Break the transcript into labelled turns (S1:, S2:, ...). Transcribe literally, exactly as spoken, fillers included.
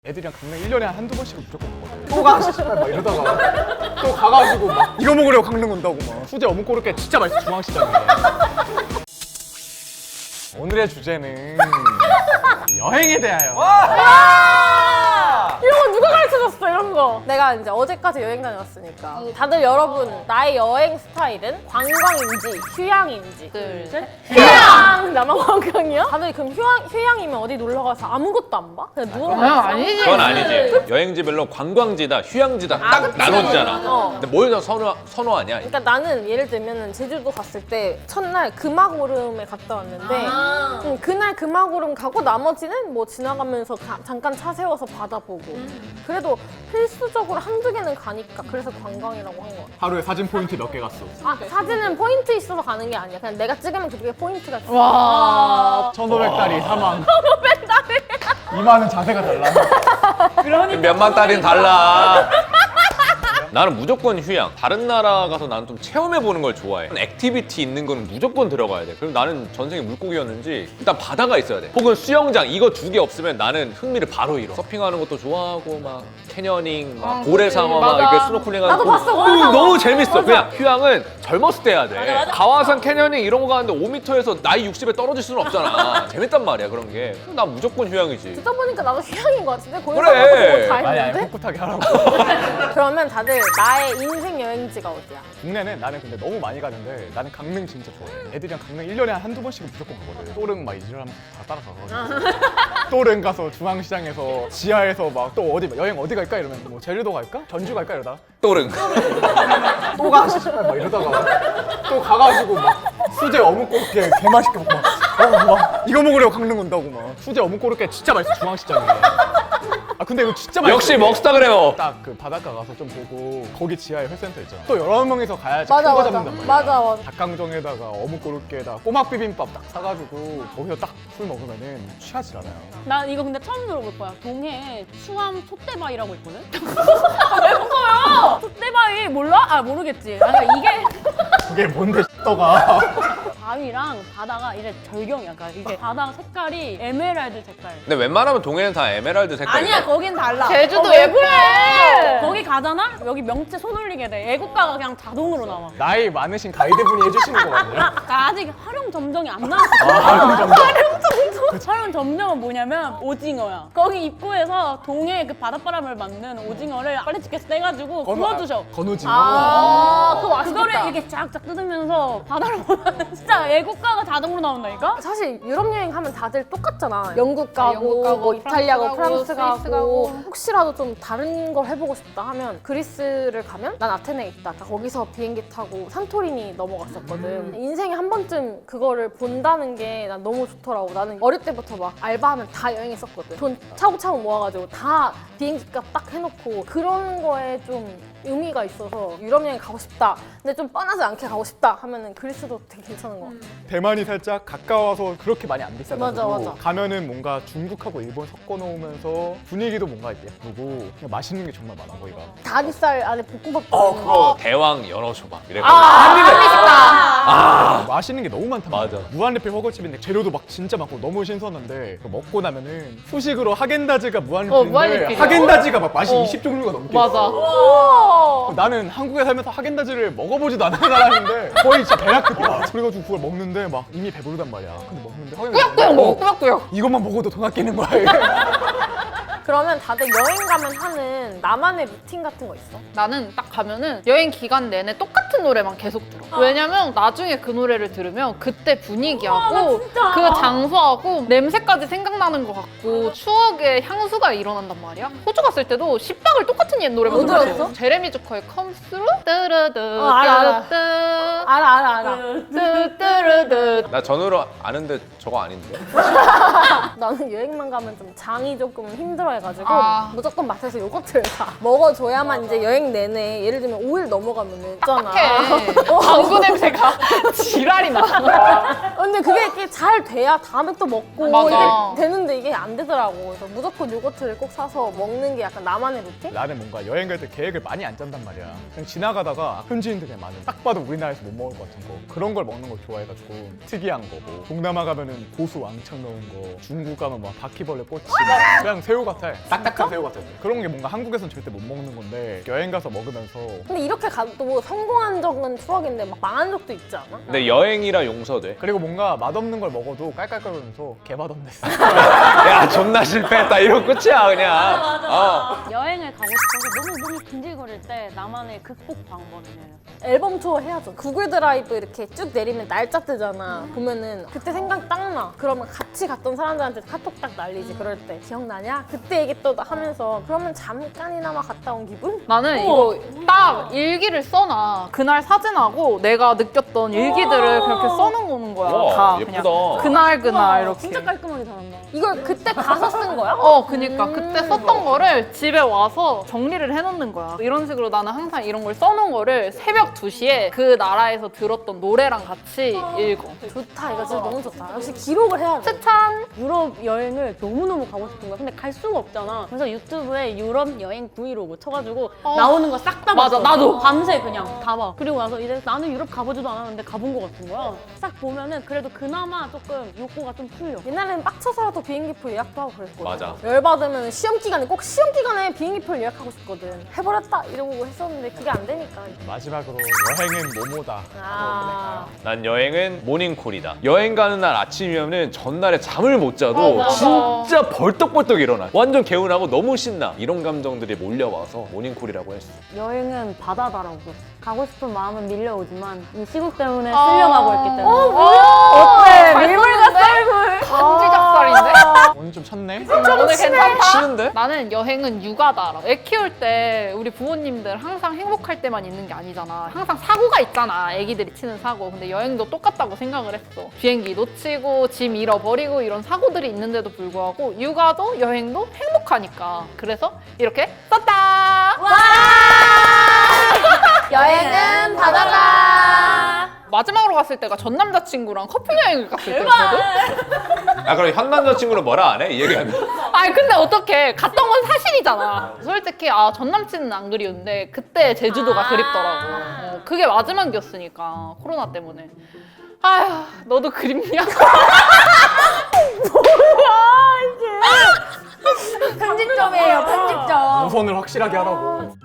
S1: 애들이랑 강릉 일 년에 한두 번씩은 무조건 가거든. 또 가! 씨발 막 이러다가 또 가가지고 막 이거 먹으려고 강릉 온다고 막 수제 어묵 고로케 진짜 맛있어 중앙시장에. 오늘의 주제는 여행에 대하여.
S2: 이런 거 누가 가르쳐줬어 이런 거. 내가 이제 어제까지 여행 다녀왔으니까 다들 여러분 나의 여행 스타일은 관광인지 휴양인지
S3: 둘, 셋.
S2: 휴양! 나만 관광이야? 다들 그럼 휴양, 휴양이면 어디 놀러가서 아무것도 안 봐? 그냥 누워
S3: 아, 아니지.
S4: 그건 아니지. 여행지별로 관광지다, 휴양지다 딱
S2: 그치.
S4: 나눠지잖아.
S2: 어.
S4: 근데 뭘 더 선호, 선호하냐?
S2: 그러니까 나는 예를 들면 제주도 갔을 때 첫날 금화고름에 갔다 왔는데
S3: 아.
S2: 음, 그날 금화고름 가고 나머지는 뭐 지나가면서 가- 잠깐 차 세워서 바다 보고
S3: 음.
S2: 그래도 필수적으로 한두 개는 가니까 그래서 관광이라고 한 거야.
S1: 하루에 사진 포인트 몇 개 갔어.
S2: 아 사진은 포인트 있어서 가는 게 아니야. 그냥 내가 찍으면 그게 포인트가 있어.
S3: 와.
S1: 천오백 달이 사망. 천오백 달이. 이만은 자세가 달라.
S4: 몇만 달인 달라. 나는 무조건 휴양. 다른 나라 가서 나는 좀 체험해보는 걸 좋아해. 액티비티 있는 거는 무조건 들어가야 돼. 그리고 나는 전생에 물고기였는지 일단 바다가 있어야 돼. 혹은 수영장 이거 두 개 없으면 나는 흥미를 바로 잃어. 서핑하는 것도 좋아하고 막 캐녀닝, 막
S3: 아,
S4: 고래상어 막
S3: 맞아.
S4: 이렇게 스노클링하는
S2: 나도
S4: 거.
S2: 봤어,
S4: 어,
S2: 고래상어.
S4: 너무 재밌어.
S2: 맞아.
S4: 그냥 휴양은 젊었을 때 해야 돼. 가와산 캐녀닝 이런 거 가는데 오 미터에서 나이 육십에 떨어질 수는 없잖아. 재밌단 말이야 그런 게. 난 무조건 휴양이지.
S2: 듣다 보니까 나도 휴양인 것 같은데
S4: 그래.
S2: 고래상어도 다
S1: 아니 아니
S2: 했는데?
S1: 꿋꿋하게 하라고.
S2: 그러면 다들 나의 인생 여행지가 어디야?
S1: 국내는 나는 근데 너무 많이 가는데 나는 강릉 진짜 좋아해. 애들이랑 강릉 일 년에 한두 번씩은 무조건 가거든. 또릉 막 이지랄하면서 다 따라가가지고 또릉 가서 중앙시장에서 지하에서 막 또 어디 여행 어디 갈까 이러면 뭐 제주도 갈까? 전주 갈까 이러다가
S4: 또릉.
S1: 또 가! 씨발 막 이러다가 또 가가지고 막 수제 어묵 고로케 개 맛있게 먹고 막, 어, 막 이거 먹으려고 강릉 온다고 막 수제 어묵 고로케 진짜 맛있어 중앙시장에. 아 근데 이거 진짜 맛있어.
S4: 역시 먹스타 그래요.
S1: 딱 그 바닷가 가서 좀 보고 거기 지하에 회센터 있잖아. 또 여러 명이서 가야지
S2: 맞아,
S1: 큰 거
S2: 맞아.
S1: 잡는단 말이야.
S2: 맞아, 맞아.
S1: 닭강정에다가 어묵 고로케에다가 꼬막 비빔밥 딱 사가지고 거기서 딱 술 먹으면은 취하질 않아요.
S3: 난 이거 근데 처음 들어볼 거야. 동해에 수암 솥대바위라고 있거든? 왜 웃어요? 솥대바위 몰라? 아 모르겠지. 아니 이게
S1: 그게 뭔데 떠가.
S3: 바위랑 바다가 이제 절경이야. 그러니까 이게 바다 색깔이 에메랄드 색깔.
S4: 근데 웬만하면 동해는 다 에메랄드 색깔이야.
S3: 아니야 거긴 달라.
S2: 제주도
S3: 어, 왜
S2: 예쁘네.
S3: 그래? 거기 가잖아? 여기 명체 손 올리게 돼. 애국가가 그냥 자동으로 나와.
S1: 나이 많으신 가이드분이 해주시는 거거든요.
S3: 나 아직 활용 점정이 안 나왔어.
S1: 아, 점점.
S3: 활용 점정은 뭐냐면 오징어야. 거기 입구에서 동해 그 바닷바람을 맞는 오징어를 빨리 집게서 떼가지고 구워주셔.
S1: 건우징어.
S2: 아, 그거 맛있겠다.
S3: 그거를 이렇게 쫙쫙 뜯으면서 바다를 보면 진짜 애국가가 자동으로 나온다니까?
S2: 사실 유럽 여행 하면 다들 똑같잖아. 영국 가고,
S3: 영국 가고,
S2: 뭐 이탈리아 가고,
S3: 프랑스
S2: 프랑스
S3: 가고,
S2: 가고.
S3: 스위스 가고.
S2: 혹시라도 좀 다른 걸 해보고 싶다 하면 그리스를 가면 난 아테네에 있다. 그러니까 거기서 비행기 타고 산토리니 넘어갔었거든.
S3: 음.
S2: 인생에 한 번쯤 그거를 본다는 게 난 너무 좋더라고. 나는 어릴 때부터 막 알바하면 다 여행했었거든. 돈 차곡차곡 모아가지고 다 비행기 값 딱 해놓고 그런 거에 좀 의미가 있어서 유럽 여행 가고 싶다. 근데 좀 뻔하지 않게 가고 싶다 하면은 그리스도 되게 괜찮은 것 같아.
S1: 대만이 살짝 가까워서 그렇게 많이 안 비싸가지고
S2: 맞아, 맞아.
S1: 가면은 뭔가 중국하고 일본 섞어 놓으면서 분위기도 뭔가 예쁘고 그냥 맛있는 게 정말 많아 거기가.
S2: 다리살 안에 볶음밥
S4: 어,
S2: 들어있는
S4: 그거 대왕 연어초밥. 이래가지고.
S1: 아, 맛있는 게 너무 많단 말이야.
S4: 맞아.
S1: 무한리필 허거집인데 재료도 막 진짜 많고 너무 신선한데 그거 먹고 나면은 후식으로 하겐다즈가
S3: 어,
S1: 무한리필인데
S3: 무한리필이야.
S1: 하겐다즈가 막 맛이
S3: 어.
S1: 이십 종류가 넘게
S3: 맞아.
S1: 있어. 나는 한국에 살면서 하겐다즈를 먹어보지도 않은 사람인데 거의 진짜 배약급이야. 그래가지고 그걸 먹는데 막 이미 배부르단 말이야. 근데 먹는데 하겐다즈
S3: 꾸역꾸역 먹어, 꾸역꾸역.
S1: 이것만 먹어도 돈 아끼는 거야 이게.
S2: 그러면 다들 여행 가면 하는 나만의 루틴 같은 거 있어?
S5: 나는 딱 가면은 여행 기간 내내 똑같은 노래만 계속 들어. 왜냐면 나중에 그 노래를 들으면 그때 분위기하고 그 장소하고 냄새까지 생각나는 것 같고 추억의 향수가 일어난단 말이야. 호주 갔을 때도 십박을 똑같은 옛 노래만
S2: 뭐
S5: 들었어.
S2: 들었어?
S5: 제레미 주커의 Comes Through? 뜨르드
S2: 어, 알아, 알아.
S5: 뜨르드
S2: 알아 알아 알아.
S5: 뜨뜨르드.
S4: 나 전으로 아는데 저거 아닌데.
S2: 나는 여행만 가면 좀 장이 조금 힘들어해가지고
S5: 아.
S2: 무조건 마트에서 요거트를 사. 먹어줘야만 이제 여행 내내 예를 들면 오 일 넘어가면은 있잖아.
S5: 딱딱해. 방구 냄새가 지랄이 나.
S2: 근데 그게 이렇게 잘 돼야 다음에 또 먹고
S5: 맞아.
S2: 이게 되는데 이게 안 되더라고. 그래서 무조건 요거트를 꼭 사서 먹는 게 약간 나만의 루틴?
S1: 나는 뭔가 여행 갈 때 계획을 많이 안 짠단 말이야. 그냥 지나가다가 현지인들이 많은 딱 봐도 우리나라에서 못 먹을 것 같은 거 그런 걸 먹는 걸 좋아해가지고 특이한 거고 동남아 가면은 고수 왕창 넣은 거 중국 가면 막 바퀴벌레 꼬치 막 그냥 새우 같아. 딱딱한 새우 같아. 그런 게 뭔가 한국에선 절대 못 먹는 건데 여행 가서 먹으면서
S2: 근데 이렇게 가도 성공한 적은 추억인데 막 망한 적도 있지 않아?
S4: 근데 여행이라 용서돼.
S1: 그리고 뭔가 맛없는 걸 먹어도 깔깔거리면서 개맛없네.
S4: 야 존나 실패했다 이런 끝이야 그냥. 어.
S3: 여행을 가고 싶어서 너무 너무 긴질거릴 때 나만의 극복 방법이에요.
S2: 앨범 투어 해야죠. 구글 드라이브 이렇게 쭉 내리면 날짜 뜨잖아. 보면은 그때 생각 딱 나. 그러면 같이 갔던 사람들한테 카톡 딱 날리지. 그럴 때 기억나냐? 그때 얘기 또 하면서 그러면 잠깐이나마 갔다 온 기분?
S5: 나는 이거 딱 일기를 써놔. 그날 사진하고 내가 느꼈던 일기들을 그렇게 써놓는 거야.
S4: 와,
S5: 다
S4: 예쁘다.
S5: 그냥 그날 그날 이렇게.
S3: 진짜 깔끔하게 잘한다.
S2: 이걸 그때 가서 쓴 거야?
S5: 어, 그니까 그때 썼던 거를 집에 와서 정리를 해놓는 거야. 이런 식으로 나는 항상 이런 걸 써놓은 거를 새벽 두 시에 그 나라에서 들었던 노래랑 같이 읽어.
S2: 좋다. 이거 진짜 너무 좋다. 역시 기록을 해야 돼.
S5: 추천!
S3: 유럽 여행을 너무너무 가고 싶은 거야. 근데 갈 수가 없잖아. 그래서 유튜브에 유럽 여행 브이로그 쳐가지고
S5: 어.
S3: 나오는 거 싹 다
S5: 맞아,
S3: 봤어.
S5: 나도.
S3: 밤새 그냥 다 봐. 그리고 나서 이제 나는 유럽 가보지도 않았는데 가본 거 같은 거야. 싹 보면은 그래도 그나마 조금 욕구가 좀 풀려.
S2: 옛날에는 빡쳐서라도 비행기표 예약도 하고 그랬거든.
S4: 맞아.
S2: 열받으면 시험 기간에 꼭 시험 기간에 비행기표 예약하고 싶거든. 해버렸다 이러고 했었는데 그게 안 되니까.
S1: 마지막으로 여행은 뭐뭐다.
S2: 아.
S4: 난 여행은 모닝콜이다. 여행 가는 날 아침이면은 전날에 잠을 못 자도
S5: 어, 맞아.
S4: 진짜 벌떡벌떡 일어나. 완전 개운하고 너무 신나. 이런 감정들이 몰려와서 모닝콜이라고 했어.
S3: 여행은 바다다라고. 가고 싶은 마음은 밀려오지만 이 시국 때문에
S5: 아.
S3: 쓸려가고 있기 때문에.
S5: 어, 뭐야?
S3: 어때?
S5: 잘
S3: 밀물과
S5: 썼는데?
S3: 썰물.
S5: 간지 작살인데?
S1: 오늘 좀 쳤네.
S5: 오늘 괜찮다?
S4: 쉬는데?
S5: 나는 여행은 육아다. 애 키울 때 우리 부모님들 항상 행복할 때만 있는 게 아니잖아. 항상 사고가 있잖아. 애기들이 치는 사고. 근데 여행도 똑같다고 생각을 했어. 비행기 놓치고 짐 잃어버리고 이런 사고들이 있는데도 불구하고 육아도 여행도 행복하니까. 그래서 이렇게 썼다.
S2: 여행은 바다다.
S5: 마지막으로 갔을 때가 전 남자친구랑 커플 여행을 갔을 때였거든?
S4: 아 그럼 현 남자친구는 뭐라 안 해? 이 얘기하면.
S5: 아니 근데 어떡해. 갔던 건 사실이잖아. 솔직히 아 전 남친은 안 그리운데 그때 제주도가 그립더라고. 어, 그게 마지막이었으니까 코로나 때문에. 아휴 너도 그립냐?
S3: 편집점이에요, 편집점.
S1: 노선을 확실하게 하라고.